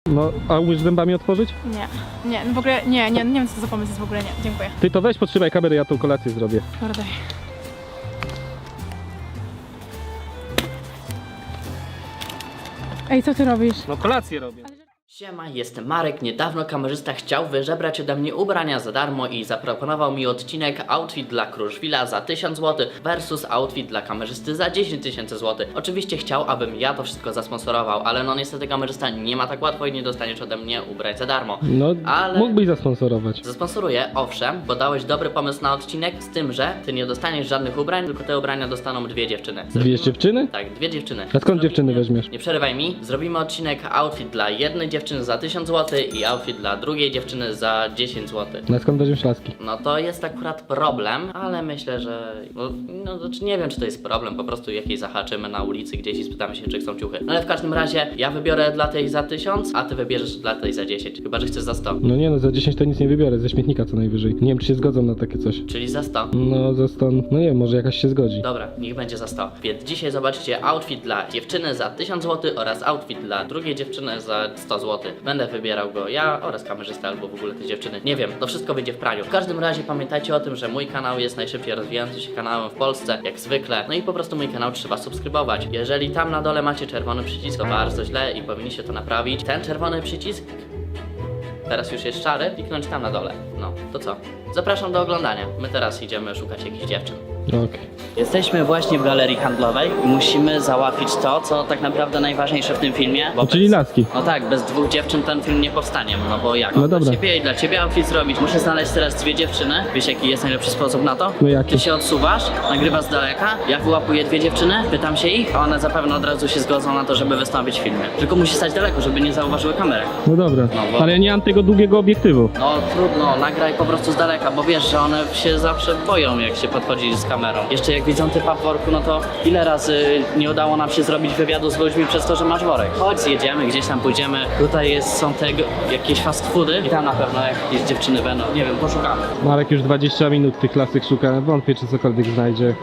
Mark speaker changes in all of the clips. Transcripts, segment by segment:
Speaker 1: No, a umiesz zębami otworzyć?
Speaker 2: Nie, no w ogóle nie wiem co to za pomysł jest w ogóle, nie, dziękuję.
Speaker 1: Ty to weź, podtrzymaj kamerę, ja tą kolację zrobię.
Speaker 2: Dobra, daj. Ej, co ty robisz?
Speaker 1: No kolację robię.
Speaker 3: Siema, jestem Marek. Niedawno kamerzysta chciał wyżebrać ode mnie ubrania za darmo i zaproponował mi odcinek outfit dla Kruszwila za 1000 zł versus outfit dla kamerzysty za 10 000 zł. Oczywiście chciał, abym ja to wszystko zasponsorował, ale no niestety kamerzysta nie ma tak łatwo i nie dostaniesz ode mnie ubrać za darmo.
Speaker 1: No,
Speaker 3: ale
Speaker 1: mógłbyś zasponsorować.
Speaker 3: zasponsoruję, owszem, bo dałeś dobry pomysł na odcinek, z tym, że ty nie dostaniesz żadnych ubrań, tylko te ubrania dostaną dwie dziewczyny.
Speaker 1: Dwie dziewczyny?
Speaker 3: Tak, dwie dziewczyny.
Speaker 1: A skąd dziewczyny weźmiesz?
Speaker 3: Nie przerywaj mi. Zrobimy odcinek outfit dla jednej dziewczyny za 1000 zł i outfit dla drugiej dziewczyny za 10 zł.
Speaker 1: No skąd weźmiesz laski?
Speaker 3: No to jest akurat problem, ale myślę, że... No znaczy nie wiem, czy to jest problem, po prostu jakiej zahaczymy na ulicy gdzieś i spytamy się, czy chcą ciuchy. No ale w każdym razie ja wybiorę dla tej za 1000, a ty wybierzesz dla tej za 10. Chyba, że chcesz za 100.
Speaker 1: No nie no, za 10 to nic nie wybiorę, ze śmietnika co najwyżej. Nie wiem, czy się zgodzą na takie coś.
Speaker 3: Czyli za 100.
Speaker 1: No za 100, no nie wiem, może jakaś się zgodzi.
Speaker 3: Dobra, niech będzie za 100. Więc dzisiaj zobaczycie outfit dla dziewczyny za 1000 zł oraz outfit dla drugiej dziewczyny za 100 zł. Będę wybierał go ja oraz kamerzysta albo w ogóle te dziewczyny. Nie wiem, to wszystko wyjdzie w praniu. W każdym razie pamiętajcie o tym, że mój kanał jest najszybciej rozwijającym się kanałem w Polsce, jak zwykle. No i po prostu mój kanał trzeba subskrybować. Jeżeli tam na dole macie czerwony przycisk, to bardzo źle i powinniście to naprawić. Ten czerwony przycisk, teraz już jest szary, kliknąć tam na dole. No, to co? Zapraszam do oglądania. My teraz idziemy szukać jakichś dziewczyn.
Speaker 1: Okej.
Speaker 3: Jesteśmy właśnie w galerii handlowej i musimy załatwić to, co tak naprawdę najważniejsze w tym filmie. Bo
Speaker 1: Czyli laski.
Speaker 3: No tak, bez dwóch dziewczyn ten film nie powstanie, no bo jak?
Speaker 1: No dobra.
Speaker 3: Dla ciebie outfit zrobić. Muszę znaleźć teraz dwie dziewczyny. Wiesz jaki jest najlepszy sposób na to?
Speaker 1: No jaki?
Speaker 3: Ty się odsuwasz, nagrywasz z daleka, ja wyłapuję dwie dziewczyny, pytam się ich, a one zapewne od razu się zgodzą na to, żeby wystąpić w filmie. Tylko musi stać daleko, żeby nie zauważyły kamery.
Speaker 1: No dobra.
Speaker 3: No bo-
Speaker 1: Ale ja nie mam tego długiego obiektywu.
Speaker 3: No trudno, nagraj po prostu z daleka, bo wiesz, że one się zawsze boją, jak się podchodzi z kamerą. Jeszcze jak widzą typa w worku, no to ile razy nie udało nam się zrobić wywiadu z ludźmi przez to, że masz worek. Chodź, zjedziemy, gdzieś tam pójdziemy. Tutaj są te jakieś fast foody i tam na pewno jakieś dziewczyny będą. Nie wiem, poszukamy.
Speaker 1: Marek już 20 minut tych lasek szuka, wątpię czy cokolwiek znajdzie.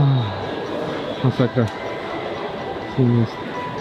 Speaker 1: Masakra. Co jest?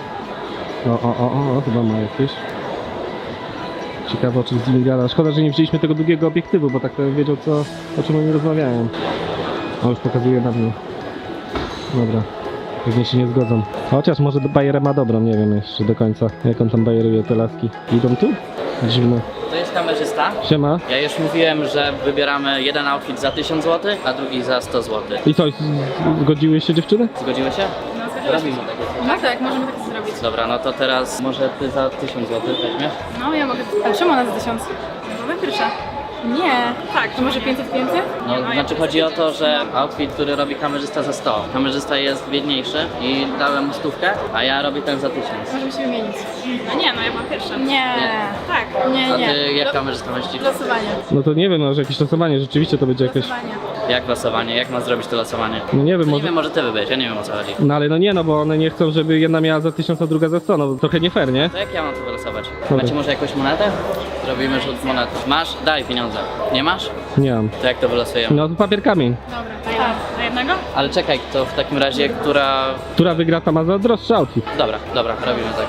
Speaker 1: O, chyba ma jakieś. Ciekawe o czym z nimi gada. Szkoda, że nie wzięliśmy tego długiego obiektywu, bo tak to bym wiedział o czym oni rozmawiają. O, już pokazuje na mnie. Dobra. Pewnie się nie zgodzą. Chociaż może bajerę ma dobrą, nie wiem jeszcze do końca. Jak on tam bajeruje te laski. Idą tu? Dziwne.
Speaker 3: To jest kamerzysta.
Speaker 1: Siema.
Speaker 3: Ja już mówiłem, że wybieramy jeden outfit za 1000 zł, a drugi za 100 zł.
Speaker 1: I co, zgodziły się dziewczyny?
Speaker 3: Zgodziły się?
Speaker 2: No, zgodziłaś
Speaker 3: Robimy
Speaker 2: się.
Speaker 3: takie.
Speaker 2: No tak, możemy tak zrobić.
Speaker 3: Dobra, no to teraz może ty za 1000 zł weźmiesz?
Speaker 2: No, ja mogę... A czemu ona za 1000? No, pierwsza. Nie. Tak. To może 500?
Speaker 3: No, znaczy chodzi o to, że outfit, który robi kamerzysta za 100. Kamerzysta jest biedniejszy i dałem mu 100, a ja robię ten za 1000.
Speaker 2: Możemy się wymienić.
Speaker 4: No nie, no ja byłam pierwsza.
Speaker 2: Nie. Tak. Nie,
Speaker 3: A
Speaker 2: nie.
Speaker 3: ty jak kamerzysta myślisz?
Speaker 2: Losowanie.
Speaker 1: No to nie wiem, może jakieś losowanie, rzeczywiście to będzie jakieś...
Speaker 2: Losowanie.
Speaker 3: Jak losowanie? Jak ma zrobić to losowanie?
Speaker 1: No nie wiem,
Speaker 3: Nie
Speaker 1: może...
Speaker 3: wiem, może ty wybierz, ja nie wiem o co chodzi.
Speaker 1: No ale no nie, no bo one nie chcą, żeby jedna miała za 1000, a druga za 100, no trochę nie fair, nie?
Speaker 3: To jak ja mam to wylosować?
Speaker 1: Dobra.
Speaker 3: Macie może jakąś monetę? Zrobimy rzut monety. Masz? Daj pieniądze. Nie masz?
Speaker 1: Nie mam.
Speaker 3: To jak to wylosujemy?
Speaker 1: No to papier kamień.
Speaker 2: Dobra,
Speaker 4: Tak. Na jednego?
Speaker 3: Ale czekaj, to w takim razie, która...
Speaker 1: Która wygra, ta ma za droższy outfit.
Speaker 3: Dobra, robimy tak.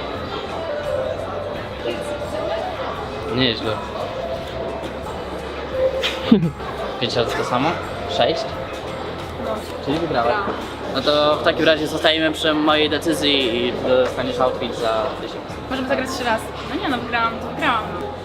Speaker 3: Nieźle. 5 razy to samo? 6? Czyli wygrałeś. No to w takim razie zostajemy przy mojej decyzji i dostaniesz outfit za 1000.
Speaker 2: Możemy zagrać jeszcze raz.
Speaker 4: No nie, no wygrałam, to wygrałam.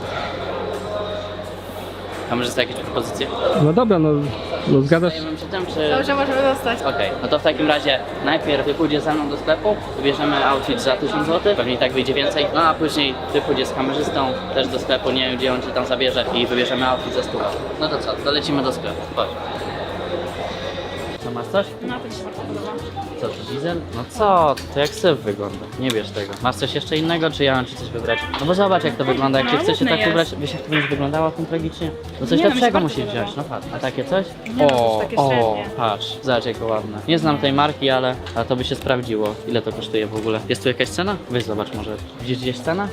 Speaker 3: Kamerzysta jakieś propozycje?
Speaker 1: No dobra, no zgadzasz?
Speaker 3: Zajmę się tym, czy...
Speaker 2: Dobrze, możemy dostać.
Speaker 3: Okej, no to w takim razie najpierw ty pójdziesz ze mną do sklepu, wybierzemy outfit za 1000 zł, pewnie i tak wyjdzie więcej, no a później ty pójdziesz z kamerzystą też do sklepu, nie wiem gdzie on cię tam zabierze i wybierzemy outfit za 100. No to co, dolecimy do sklepu, chodź. Co, masz coś?
Speaker 4: No to mi się bardzo podoba.
Speaker 3: Co, to diesel? No co, to jak syf wygląda, nie bierz tego. Masz coś jeszcze innego, czy ja mam ci coś wybrać? No bo zobacz jak to wygląda, jak
Speaker 4: No,
Speaker 3: się chcesz się
Speaker 4: ładne
Speaker 3: tak
Speaker 4: jest.
Speaker 3: ubrać, wiesz jak to będzie wyglądało tym tragicznie? No coś
Speaker 4: Nie, no mi się
Speaker 3: lepszego
Speaker 4: bardzo
Speaker 3: musisz
Speaker 4: podoba.
Speaker 3: wziąć, no patrz. A takie coś?
Speaker 4: Nie, no to już takie średnie.
Speaker 3: Patrz, zobacz jakie ładne. Nie znam tej marki, ale to by się sprawdziło. Ile to kosztuje w ogóle? Jest tu jakaś cena? Weź zobacz może. Widzisz gdzieś cenę?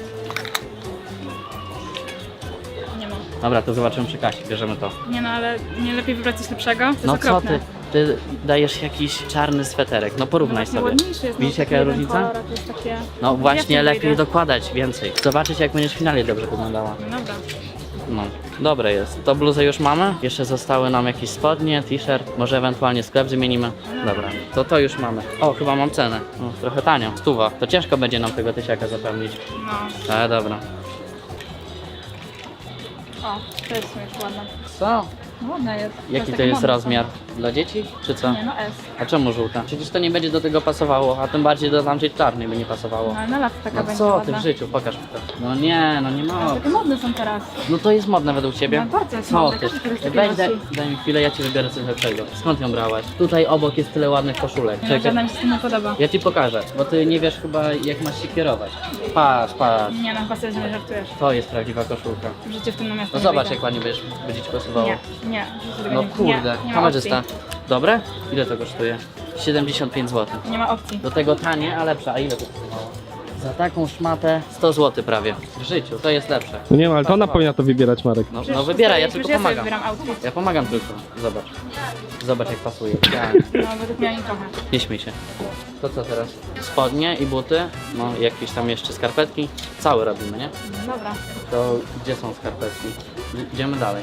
Speaker 4: Nie ma.
Speaker 3: Dobra, to zobaczymy przy kasie, bierzemy to.
Speaker 4: Nie no, ale nie lepiej wybrać coś lepszego? To jest
Speaker 3: No co
Speaker 4: okropne.
Speaker 3: ty? ty dajesz jakiś czarny sweterek. No porównaj
Speaker 4: Właśnie
Speaker 3: sobie.
Speaker 4: ładniejszy jest.
Speaker 3: Widzisz
Speaker 4: no,
Speaker 3: jaka
Speaker 4: jeden
Speaker 3: różnica?
Speaker 4: kolor, a to jest takie...
Speaker 3: No właśnie,
Speaker 4: Ja w tym
Speaker 3: lepiej
Speaker 4: wejdę.
Speaker 3: dokładać więcej. Zobaczyć jak będziesz w finale dobrze wyglądała.
Speaker 4: No dobra.
Speaker 3: No, dobre jest. To bluzę już mamy. Jeszcze zostały nam jakieś spodnie, t-shirt. Może ewentualnie sklep zmienimy. Dobra, to już mamy. O, chyba mam cenę. No, trochę tanio. 100. To ciężko będzie nam tego tysiaka zapełnić.
Speaker 4: No.
Speaker 3: Ale dobra.
Speaker 4: O, to jest już ładne.
Speaker 3: Co?
Speaker 4: No, ładna jest.
Speaker 3: Jaki to
Speaker 4: takie
Speaker 3: jest
Speaker 4: modne
Speaker 3: rozmiar? Dla dzieci? Czy co?
Speaker 4: są. Nie, no S.
Speaker 3: A czemu żółta? Przecież to nie będzie do tego pasowało, a tym bardziej do tamtej czarnej by nie pasowało.
Speaker 4: No ale na lat taka
Speaker 3: No
Speaker 4: będzie
Speaker 3: co ty
Speaker 4: ładna.
Speaker 3: w życiu? Pokaż mi to. No nie ma.
Speaker 4: Takie modne są teraz.
Speaker 3: No to jest modne według ciebie?
Speaker 4: No bardzo jest
Speaker 3: Co
Speaker 4: modne,
Speaker 3: ty?
Speaker 4: każdy czegoś takiego
Speaker 3: Weź, daj
Speaker 4: nosi.
Speaker 3: mi chwilę, ja ci wybiorę coś lepszego. Skąd ją brałaś? Tutaj obok jest tyle ładnych koszulek.
Speaker 4: Nie, no, żadna mi się nie podoba.
Speaker 3: Ja ci pokażę, bo ty nie wiesz chyba jak masz się kierować. Patrz.
Speaker 4: Nie, no chyba sobie nie żartujesz.
Speaker 3: To jest prawdziwa koszulka.
Speaker 4: W życiu w tym miasto
Speaker 3: No
Speaker 4: nie
Speaker 3: zobacz
Speaker 4: wyjdę.
Speaker 3: jak ładnie będzie ci pasowało.
Speaker 4: Nie, w życiu tego
Speaker 3: No
Speaker 4: nie,
Speaker 3: kurde,
Speaker 4: nie ma
Speaker 3: kamerzysta.
Speaker 4: opcji.
Speaker 3: Dobre? Ile to kosztuje? 75 zł.
Speaker 4: Nie ma opcji.
Speaker 3: Do tego tanie, a lepsze. A ile to kosztowało? Za taką szmatę 100 zł prawie. W życiu, to jest lepsze.
Speaker 1: No nie wiem, ale to ona powinna to wybierać, Marek.
Speaker 3: No,
Speaker 4: Przecież
Speaker 3: no wybieraj, ja
Speaker 4: przecież
Speaker 3: tylko
Speaker 4: sobie
Speaker 3: pomagam.
Speaker 4: wybieram outfit.
Speaker 3: Ja pomagam tylko. Zobacz. Zobacz jak pasuje. Ja.
Speaker 4: No, według mnie ani trochę.
Speaker 3: Nie śmiej się. To co teraz? Spodnie i buty, no jakieś tam jeszcze skarpetki. Cały robimy, nie?
Speaker 4: No, dobra.
Speaker 3: To gdzie są skarpetki? Idziemy dalej.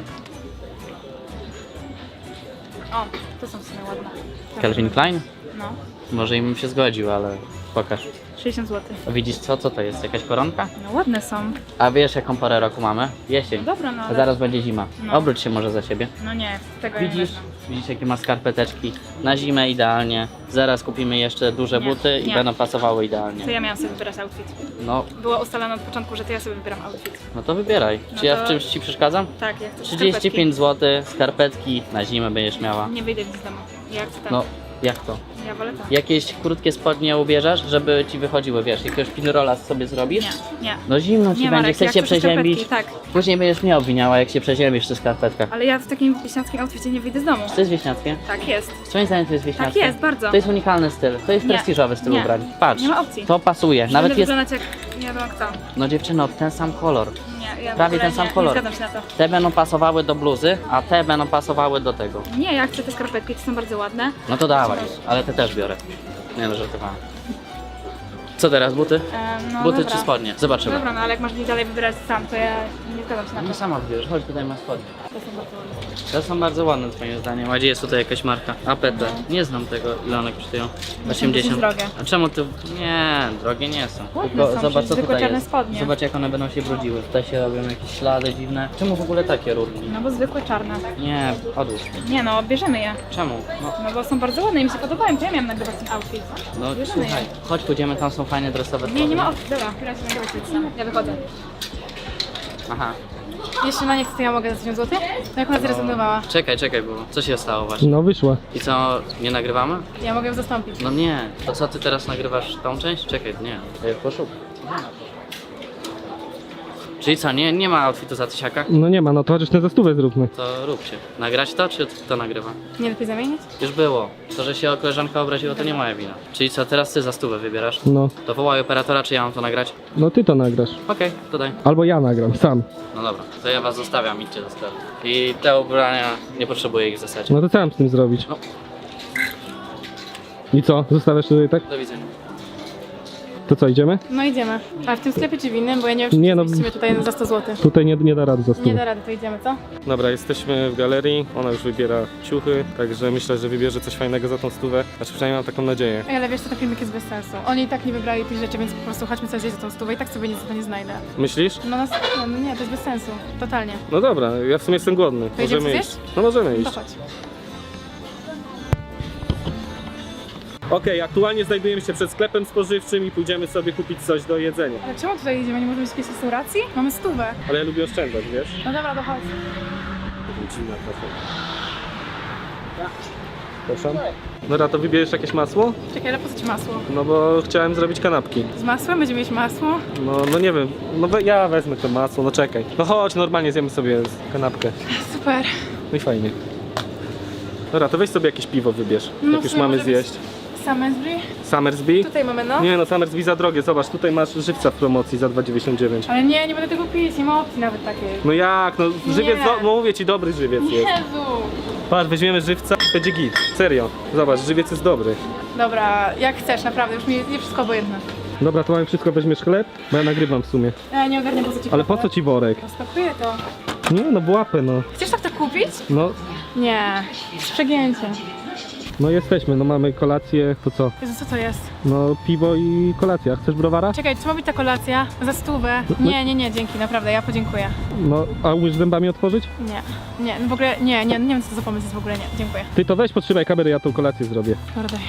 Speaker 4: O, to są w sumie ładne.
Speaker 3: Calvin Klein?
Speaker 4: No,
Speaker 3: Może im się zgodził, ale pokaż.
Speaker 4: 60 zł.
Speaker 3: A widzisz co? Co to jest? Jakaś koronka?
Speaker 4: No ładne są.
Speaker 3: A wiesz jaką porę roku mamy? Jesień.
Speaker 4: Dobra, no
Speaker 3: A
Speaker 4: ale...
Speaker 3: zaraz będzie zima.
Speaker 4: No.
Speaker 3: Obróć się może za siebie.
Speaker 4: No nie, tego
Speaker 3: Widzisz?
Speaker 4: nie wezmę.
Speaker 3: Widzisz jakie ma skarpeteczki? Na zimę idealnie. Zaraz kupimy jeszcze duże
Speaker 4: Nie,
Speaker 3: buty i
Speaker 4: nie.
Speaker 3: będą pasowały
Speaker 4: To
Speaker 3: idealnie.
Speaker 4: ja miałam sobie wybierać outfit.
Speaker 3: No,
Speaker 4: Było ustalone od początku, że to ja sobie wybieram outfit.
Speaker 3: no to wybieraj.
Speaker 4: No
Speaker 3: Czy ja
Speaker 4: to-
Speaker 3: w czymś ci przeszkadzam?
Speaker 4: Tak, ja chcę
Speaker 3: 35 zł, skarpetki na zimę będziesz miała.
Speaker 4: skarpetki. Nie wyjdę z domu. Ja chcę tak.
Speaker 3: No, jak to?
Speaker 4: Ja wolę tak.
Speaker 3: Jakieś krótkie spodnie ubierzesz, żeby ci wychodziły, wiesz, jakiegoś pinrola sobie zrobisz?
Speaker 4: Nie.
Speaker 3: No zimno ci
Speaker 4: Nie,
Speaker 3: będzie,
Speaker 4: Marek,
Speaker 3: chcesz
Speaker 4: ja
Speaker 3: się
Speaker 4: chcę te
Speaker 3: przeziębić.
Speaker 4: skarpetki, tak.
Speaker 3: Później będziesz mnie obwiniała, jak się przeziębisz w tych skarpetkach.
Speaker 4: Ale ja w takim wieśniackim outficie nie wyjdę z domu.
Speaker 3: To jest wieśniackie?
Speaker 4: Tak jest.
Speaker 3: Twoim zdaniem to jest wieśniackie?
Speaker 4: Tak jest, bardzo.
Speaker 3: To jest unikalny styl, to jest
Speaker 4: Nie.
Speaker 3: prestiżowy styl
Speaker 4: Nie.
Speaker 3: ubrań. Patrz,
Speaker 4: Nie ma opcji.
Speaker 3: to pasuje,
Speaker 4: Będę
Speaker 3: nawet jest...
Speaker 4: wyglądać jak nie wiem kto.
Speaker 3: No dziewczyno, ten sam kolor.
Speaker 4: Nie, ja w
Speaker 3: Prawie
Speaker 4: ogóle
Speaker 3: ten sam
Speaker 4: nie,
Speaker 3: kolor.
Speaker 4: Nie zgadzam się na to.
Speaker 3: Te będą pasowały do bluzy, a te będą pasowały do tego.
Speaker 4: Nie, ja chcę te skarpetki, to są bardzo ładne.
Speaker 3: No to dawaj, ale te też biorę. Nie no, żartowałem. Co teraz, buty?
Speaker 4: No
Speaker 3: Buty
Speaker 4: dobra.
Speaker 3: czy spodnie? Zobaczymy.
Speaker 4: Dobra, no ale jak masz mi dalej wybierać sam, to ja nie zgadzam się na
Speaker 3: Nie
Speaker 4: to.
Speaker 3: sama wybierz, chodź tutaj masz spodnie.
Speaker 4: To są bardzo ładne.
Speaker 3: Te są bardzo ładne twoim zdaniem. A gdzie jest tutaj jakaś marka? APT. Nie znam tego, ile one kosztują. 80.
Speaker 4: drogie.
Speaker 3: A czemu ty... Nie, drogie nie są.
Speaker 4: Ładne
Speaker 3: Tylko
Speaker 4: są,
Speaker 3: zobacz co
Speaker 4: zwykłe
Speaker 3: tutaj
Speaker 4: czarne
Speaker 3: jest.
Speaker 4: spodnie.
Speaker 3: Zobacz jak one będą się brudziły. Tutaj się robią jakieś ślady dziwne. Czemu w ogóle takie rurki?
Speaker 4: No bo zwykłe czarne.
Speaker 3: Nie, odłóż.
Speaker 4: Nie no, bierzemy je.
Speaker 3: Czemu? No,
Speaker 4: No bo są bardzo ładne i mi się podobają, to ja miałam nagrywać ten outfit.
Speaker 3: no
Speaker 4: Bierzemy
Speaker 3: słuchaj, chodź pójdziemy, tam są fajne dresowe
Speaker 4: je. Nie, nie
Speaker 3: spodnie.
Speaker 4: ma opcji. Dobra, teraz się nagrywać sobie sam. Ja wychodzę.
Speaker 3: Aha.
Speaker 2: Jeśli ona nie chce, to ja mogę za 1000 zł? To jak ona zrezygnowała?
Speaker 3: Czekaj, bo co się stało właśnie?
Speaker 1: No wyszła.
Speaker 3: I co, nie nagrywamy?
Speaker 2: Ja mogę ją zastąpić.
Speaker 3: No nie, to co ty teraz nagrywasz tą część? Czekaj, nie, to ja poszukam. Czyli co, nie ma outfitu za tysiaka?
Speaker 1: No nie ma, no to chociaż ten za stówę zróbmy.
Speaker 3: To rób się. Nagrać to, czy to nagrywa?
Speaker 2: Nie lepiej zamienić?
Speaker 3: Już było. To, że się koleżanka obraziła, to nie moja wina. Czyli co, teraz ty za stówę wybierasz?
Speaker 1: No,
Speaker 3: To wołaj operatora, czy ja mam to nagrać?
Speaker 1: no ty to nagrasz.
Speaker 3: Okej, to daj.
Speaker 1: Albo ja nagram, sam.
Speaker 3: No dobra, to ja was zostawiam, idźcie do sklepu. I te ubrania, nie potrzebuję ich w zasadzie.
Speaker 1: No to co mam z tym zrobić?
Speaker 3: No.
Speaker 1: I co? Zostawiasz tutaj tak?
Speaker 3: Do widzenia.
Speaker 1: To co, idziemy?
Speaker 2: No idziemy. A w tym sklepie czy w innym? Bo ja nie wiem, czy
Speaker 1: Nie, no.
Speaker 2: zmieścimy tutaj za 100 zł.
Speaker 1: Tutaj nie da rady za
Speaker 2: Nie
Speaker 1: stówę.
Speaker 2: da rady, to idziemy, co?
Speaker 1: Dobra, jesteśmy w galerii, ona już wybiera ciuchy, także myślę, że wybierze coś fajnego za tą stówę. Znaczy przynajmniej mam taką nadzieję.
Speaker 2: Ej, ale wiesz, to ten filmik jest bez sensu. Oni i tak nie wybrali tych rzeczy, więc po prostu chodźmy sobie zjeść za tą stówę i tak sobie nic za to nie znajdę.
Speaker 1: Myślisz?
Speaker 2: No, no nie, to jest bez sensu. Totalnie.
Speaker 1: No dobra, ja w sumie jestem głodny.
Speaker 2: To idziemy
Speaker 1: Możemy
Speaker 2: zjeść?
Speaker 1: iść. No możemy
Speaker 2: To
Speaker 1: iść.
Speaker 2: chodź.
Speaker 1: Okej, aktualnie znajdujemy się przed sklepem spożywczym i pójdziemy sobie kupić coś do jedzenia.
Speaker 2: Ale czemu tutaj idziemy? Nie możemy iść do jakiejś restauracji? Mamy stówę.
Speaker 1: Ale ja lubię oszczędzać, wiesz?
Speaker 2: No dobra, to chodź.
Speaker 1: Dziwna trochę. Proszę? Dobra, to wybierzesz jakieś masło?
Speaker 2: Czekaj, ale po co ci masło?
Speaker 1: No bo chciałem zrobić kanapki.
Speaker 2: Z masłem? Będziemy mieć masło?
Speaker 1: No nie wiem, no ja wezmę to masło, no czekaj. No chodź, normalnie zjemy sobie kanapkę.
Speaker 2: Super.
Speaker 1: No i fajnie. Dobra, to weź sobie jakieś piwo wybierz,
Speaker 2: No
Speaker 1: jak
Speaker 2: w
Speaker 1: już
Speaker 2: sumie
Speaker 1: mamy
Speaker 2: może być-
Speaker 1: zjeść.
Speaker 2: Summersby?
Speaker 1: Summersby?
Speaker 2: Tutaj mamy, no.
Speaker 1: Nie no, Summersby za drogie, zobacz, tutaj masz żywca w promocji za 2,99.
Speaker 2: Ale nie będę tego pić, nie ma opcji nawet takiej.
Speaker 1: No jak, no żywiec,
Speaker 2: Nie.
Speaker 1: no mówię ci, dobry żywiec jest.
Speaker 2: Jezu!
Speaker 1: Patrz, weźmiemy żywca, będzie git. Serio. Zobacz, żywiec jest dobry.
Speaker 2: Dobra, jak chcesz, naprawdę, już mi jest wszystko obojętne.
Speaker 1: Dobra, to mamy wszystko, weźmiesz chleb? Bo ja nagrywam w sumie.
Speaker 2: Ja nie ogarnię, po co ci
Speaker 1: Ale po co ci worek?
Speaker 2: Spakuję to.
Speaker 1: Nie, no w łapę, no.
Speaker 2: Chcesz tak to kupić?
Speaker 1: No,
Speaker 2: Nie, przegięcie.
Speaker 1: no jesteśmy, no mamy kolację, to co?
Speaker 2: Jezu, co to jest?
Speaker 1: No piwo i kolacja. Chcesz browara?
Speaker 2: Czekaj, co ma być ta kolacja? Za stówę?
Speaker 1: No-
Speaker 2: Nie, dzięki, naprawdę, ja podziękuję.
Speaker 1: No, a umiesz zębami otworzyć?
Speaker 2: Nie, w ogóle, nie wiem co to za pomysł jest w ogóle, nie, dziękuję.
Speaker 1: Ty to weź, podtrzymaj kamerę, ja tą kolację zrobię.
Speaker 2: Dobra, daj.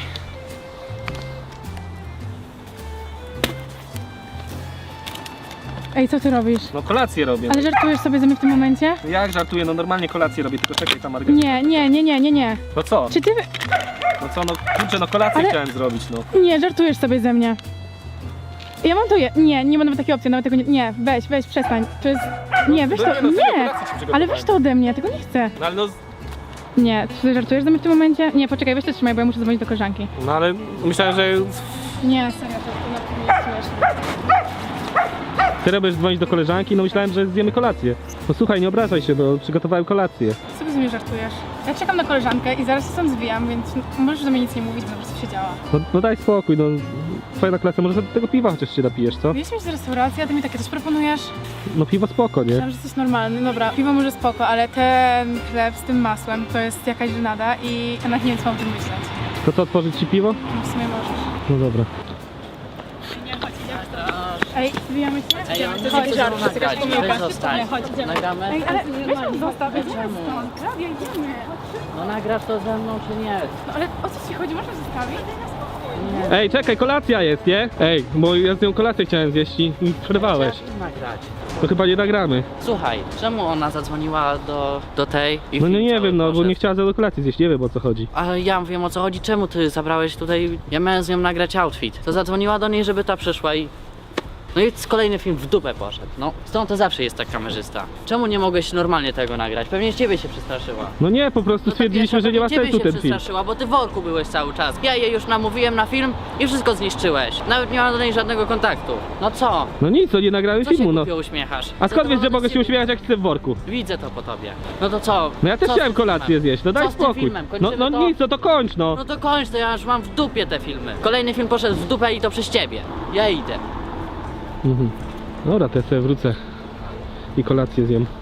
Speaker 2: Ej, co ty robisz?
Speaker 1: No kolację robię.
Speaker 2: Ale żartujesz sobie ze mnie w tym momencie?
Speaker 1: Jak żartuję, no normalnie kolację robię, tylko czekaj ta margarita.
Speaker 2: Nie.
Speaker 1: No co?
Speaker 2: Czy ty...
Speaker 1: No co, no kurczę, no kolację
Speaker 2: Ale-
Speaker 1: chciałem zrobić, no.
Speaker 2: Nie, żartujesz sobie ze mnie. Ja mam to nie ma nawet takiej opcji, nawet tego nie, weź, przestań. To jest... Nie, weź to,
Speaker 1: no serio,
Speaker 2: nie!
Speaker 1: kolację ci przygotowałem.
Speaker 2: Ale weź to ode mnie, tego nie chcę.
Speaker 1: No ale no,
Speaker 2: Nie, czy ty żartujesz ze mnie w tym momencie? Nie, poczekaj, weź to trzymaj, bo ja muszę dzwonić do koleżanki.
Speaker 1: no ale myślałem, że
Speaker 2: Nie, serio, to nie jest śmieszne.
Speaker 1: ty robisz dzwonić do koleżanki, no myślałem, że zjemy kolację. No słuchaj, nie obrażaj się, no przygotowałem kolację.
Speaker 2: Co sobie ze mnie żartujesz? Ja czekam na koleżankę i zaraz się stąd zwijam, więc możesz do mnie nic nie mówić, bo po prostu się działa.
Speaker 1: No daj spokój, no twoja klasa, może sobie tego piwa chociaż się napijesz, co?
Speaker 2: Wiesz mieć z restauracji, a ty mi takie coś proponujesz?
Speaker 1: No piwo spoko, nie?
Speaker 2: Myślałam, że jesteś normalny. Dobra, piwo może spoko, ale ten chleb z tym masłem to jest jakaś żenada i ja nawet nie wiem, co mam o tym myśleć.
Speaker 1: To co, otworzyć ci piwo?
Speaker 2: No w sumie możesz.
Speaker 1: No dobra.
Speaker 2: Ej, zwijamy cię?
Speaker 3: Ej, ja
Speaker 2: Chodź,
Speaker 3: nie chcę
Speaker 2: żart,
Speaker 3: nagrać,
Speaker 2: jakaś pomyłka.
Speaker 3: weź zostań.
Speaker 2: Chodź, idziemy.
Speaker 3: Nagramy?
Speaker 2: Ej, ale weź tam zostaw, idziemy
Speaker 3: Czemu?
Speaker 2: stąd. Klaudia, idziemy.
Speaker 3: No nagrasz to ze mną czy nie?
Speaker 2: No ale o co ci chodzi? Można zostawić?
Speaker 1: Ej, czekaj, kolacja jest, nie? Ej, bo ja z nią kolację chciałem zjeść i przerwałeś.
Speaker 3: Chciałem nagrać.
Speaker 1: To chyba nie nagramy.
Speaker 3: Słuchaj, czemu ona zadzwoniła do tej i
Speaker 1: No
Speaker 3: film
Speaker 1: nie
Speaker 3: cały
Speaker 1: wiem, no bo
Speaker 3: poszedł?
Speaker 1: nie chciała do kolacji zjeść, nie wiem o co chodzi.
Speaker 3: Ale ja wiem o co chodzi, czemu ty zabrałeś tutaj, ja miałem z nią nagrać outfit. To zadzwoniła do niej, żeby ta przyszła i... No i kolejny film w dupę poszedł. No, stąd to zawsze jest tak kamerzysta. Czemu nie mogłeś normalnie tego nagrać? Pewnie ciebie się przestraszyła.
Speaker 1: No nie, po prostu
Speaker 3: No to
Speaker 1: stwierdziliśmy, że nie ma
Speaker 3: ciebie
Speaker 1: sensu
Speaker 3: się
Speaker 1: ten film.
Speaker 3: przestraszyła, bo ty w worku byłeś cały czas. Ja jej już namówiłem na film i wszystko zniszczyłeś. Nawet nie mam do niej żadnego kontaktu. No co?
Speaker 1: No nic, to nie nagramy
Speaker 3: Co się
Speaker 1: filmu, no.
Speaker 3: głupio uśmiechasz?
Speaker 1: A skąd wiesz, że
Speaker 3: Zadowolony
Speaker 1: mogę
Speaker 3: z
Speaker 1: się
Speaker 3: siebie?
Speaker 1: uśmiechać jak chcę w worku?
Speaker 3: Widzę to po tobie. No to co?
Speaker 1: No ja też
Speaker 3: Co z
Speaker 1: chciałem
Speaker 3: tym
Speaker 1: kolację
Speaker 3: filmem?
Speaker 1: zjeść, no daj
Speaker 3: Co z tym
Speaker 1: spokój.
Speaker 3: filmem?
Speaker 1: No,
Speaker 3: Kończymy
Speaker 1: no
Speaker 3: to?
Speaker 1: nic, no to kończ, no.
Speaker 3: No to kończ, to ja już mam w dupie te filmy. Kolejny film poszedł w dupę i to przez ciebie. Ja idę.
Speaker 1: Mhm. Dobra, to ja sobie wrócę i kolację zjem.